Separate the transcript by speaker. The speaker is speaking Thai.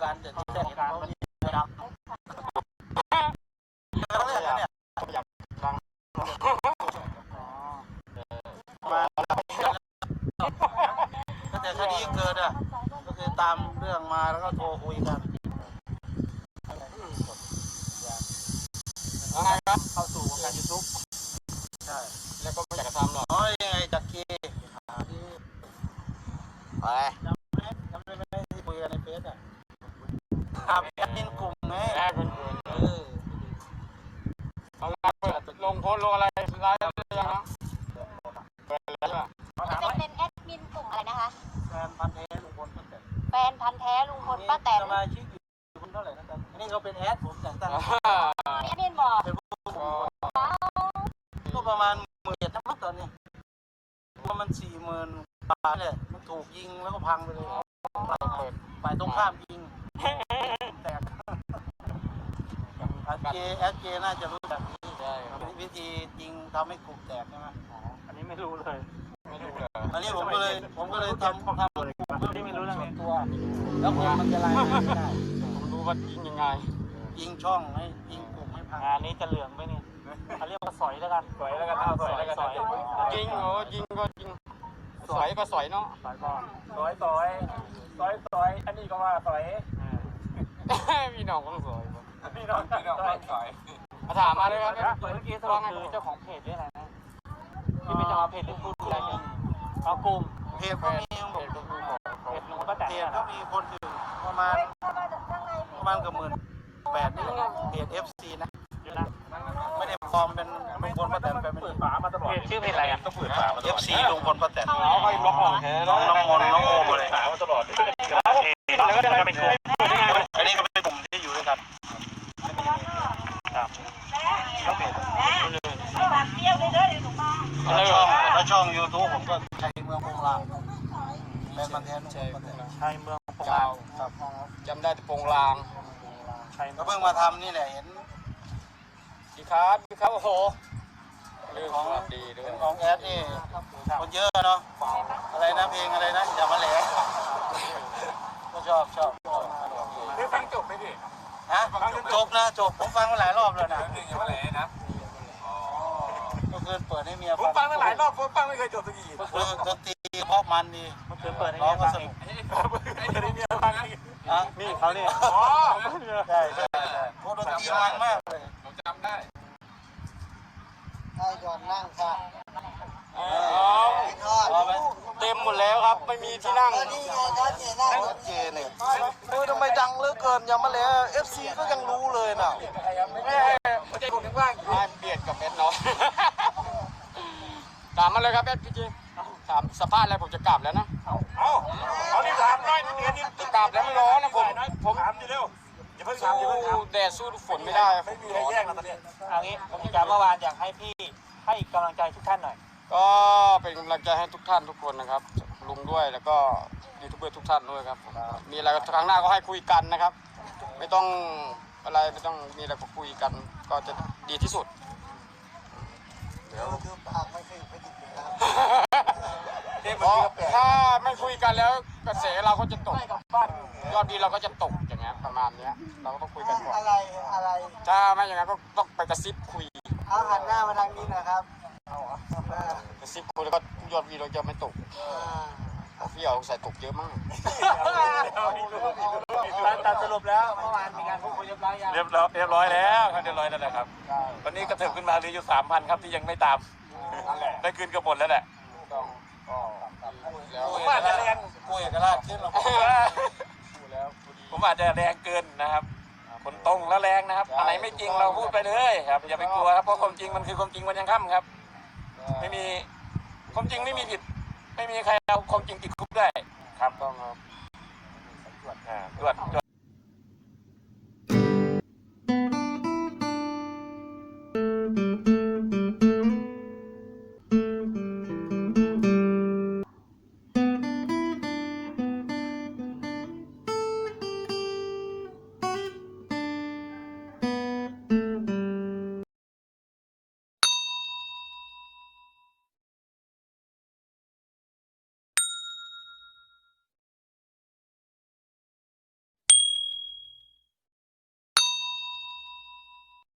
Speaker 1: กันแต่ที่แรกเขามีดำเนี่ยมาตั้งแต่คดีเกิดอ่ะก็คือตามเรื่องมาแล้วก็โทรคุยกัน
Speaker 2: แล้วไงครับเข้าสู่วงการยูทูบ
Speaker 1: ใช่
Speaker 2: แล้วก็ไม่อยากจะทำหรอก
Speaker 1: ยังไงจักรี
Speaker 2: ไป
Speaker 1: จำได้ไหมที่คุยกันในเฟซอ่ะแอดมินกลุ่มไง
Speaker 2: เอาไลน์ลงโพสลงอะไรไลน์อะไรยังฮะเปิดแล้วใช่ไหม
Speaker 3: จะเป็นแอดมินกลุ่มอะไรนะคะ
Speaker 1: แฟนพันธุ์แท้ลุงพลป้าแตน
Speaker 3: แฟนพันธุ์แท้ลุงพลป้าแตน
Speaker 1: สมาชิกอยู่คนเท่าไหร่นะครับอันนี้เขาเป็นแอดผมแต่งตั้ง
Speaker 3: แอดมินบอก
Speaker 1: ก็ประมาณ17,000นะตอนนี้ว่ามัน40,000 บาทเลยมันถูกยิงแล้วก็พังไปเลยฝ่ายตรงข้ามยิงแตกแอดเจน่าจะรู้แบบนี้วิธียิงทำให้กลุ่มแตกใช่ไหม
Speaker 2: อันนี้ไม่รู้เลยไม่รู้เลย
Speaker 1: อันนี้ผมก็เลยทำ
Speaker 2: ที่ไม่รู้เรื่องนี้
Speaker 1: ตัวแล้วคนมันจะรายงานไม่ได้
Speaker 2: ผมรู้ว่ายิงยังไง
Speaker 1: ยิงช่องให้ยิงกลุ่มให้พัง
Speaker 2: งานนี้จะเหลืองไหมเนี่ยเขาเรียกว่าสอยแล้วกันสอยแล้วกันเอาสอยแล้วกันยิงโอ้ยิงก็ยิงสอยก็สอยเนาะ
Speaker 1: สอยก่อนสอยอันนี้ก็ว่าสอย
Speaker 2: พี่น้องต้องสอย
Speaker 1: พี่น้องต้องสอย
Speaker 2: มาถามมาเลยครับเมื่อกี้สรุปคือเจ้าของเพจนี่แหละนะที่เป็นเจ้าของเพจที่พูดอะไรกันเอากลุ่ม
Speaker 1: เพจก็มี
Speaker 2: เพจลุงป้าแตน
Speaker 1: เพจก็มีคนอื่นประมาณเกือบ18,000นี่เพจ FC นะไม่ได้ปลอมเป็นลุงพลป้าแตนเป็น
Speaker 2: เพจชื่อเพจอะไรอ่ะ
Speaker 1: ต้องเปิดฝา FC ลุงพลป้าแตน
Speaker 2: เขาให้บล็อกออก
Speaker 1: น้องมนน้องโอเลย
Speaker 2: ฝามาตลอดแล้วก็จะเป็นกลุ่ม
Speaker 1: อันนี้ก็เป็นกลุ่มที่อยู่ด้วยกัน
Speaker 2: ครับ
Speaker 1: แล้วช่อง YouTube ผมก็ชัยเมืองโปงลางเป็นมันแทน
Speaker 2: ชัยเมืองโปงลาง
Speaker 1: ครับ
Speaker 2: จำได้แต่โปงลาง
Speaker 1: ก็เพิ่งมาทำนี่แหละเห็น
Speaker 2: ดีครับโอ้โห
Speaker 1: เรื่องของดีด้วยของแอดนี่คนเยอะเนาะอะไรนะเพลงอะไรนะอย่ามาแหลกก็ชอบ
Speaker 2: ได้ฟังจบไหมพี่
Speaker 1: ฮะจบนะผมฟังมาหลายรอบแล้วนะ
Speaker 2: อย่ามาแหลกนะ
Speaker 1: ก็คือเปิดให้เมีย
Speaker 2: ผมฟังมาหลายรอบผมฟังไม่เคยจบสักที
Speaker 1: ดนตรีเพราะมันดี
Speaker 2: เปิดให้เมียฟังอีกนี่เขาเนี่ย
Speaker 1: ใช่โคตรดนตรีมันมากเลย
Speaker 2: ผมจำได้
Speaker 1: ให้ก่อนนั่งค่ะ
Speaker 2: เต็มหมดแล้วครับไม่มีที่นั่ง
Speaker 1: เจเนี่ยทำไมดังเหลือเกินยังมาแล้ว FC ก็ยังรู้เลยน่ะ
Speaker 2: ไม่ใช่ผมถึงว่างเบียดกับเอ็ดเนาะถามมาเลยครับเอ็ดพี่จีถามสภาพอะไรผมจะกลับแล้วนะ
Speaker 1: เอาที่ถามน้อยนิดเดียวนี่
Speaker 2: จะกลับแล้วมันร้อนนะผม
Speaker 1: ถามดีเร็ว
Speaker 2: อย่าเพิ่งถามแดดสู้ฝนไม่ได้
Speaker 1: ไม่มีใครแยกนะตอนนี้
Speaker 2: เอางี้ผมจะเมื่อวานอยากให้พี่ให้กำลังใจทุกท่านหน่อยก็เป็นกำลังใจให้ทุกท่านทุกคนนะครับลุงด้วยแล้วก็ยูทูบเบอร์ทุกท่านด้วยครับมีอะไรครั้งหน้าก็ให้คุยกันนะครับไม่ต้องอะไรไม่ต้องมีอะไรก็คุยกันก็จะดีที่สุด
Speaker 1: เดี๋ยวคือปากไม่เคยไปดิบนะครับ
Speaker 2: ถ้าไม่คุยกันแล้วกระแสเราก็จะตกยอดดีเราก็จะตกอย่างเงี้ยประมาณนี้เราก็ต้องคุยกันก่อน
Speaker 1: อะไร
Speaker 2: ถ้าไม่อย่างนั้นก็ต้องไปกระซิบคุย
Speaker 1: เอาหันหน้ามาทางนี้นะครับ
Speaker 2: กระซิบคุยแล้วก็ยอดวีเราจะไม่ตกพี่เอาใส่ตกเยอะมาก
Speaker 1: ตัดสรุปแล้วเมื่อวานมีการพูดคุยเรียบร้อยแล้วครับเรียบร้อยแล้วนะครับวันนี้กระเถิบขึ้นมาเหลืออยู่ 3,000 ครับที่ยังไม่ตามได้คืนกันหมดแล้วแหละผมอาจจะแรงคุยกับราชขึ้นหรอผมอาจจะแรงเกินนะครับคนตรงแล้วแรงนะครับอะไรไม่จริงเราพูดไปเลยครับอย่าไปกลัวครับเพราะความจริงมันคือความจริงวันยังค่ำครับไม่มีความจริงไม่มีผิดไม่มีใครเอาความจริงติดคุกได้ครับต้องครับตรวจ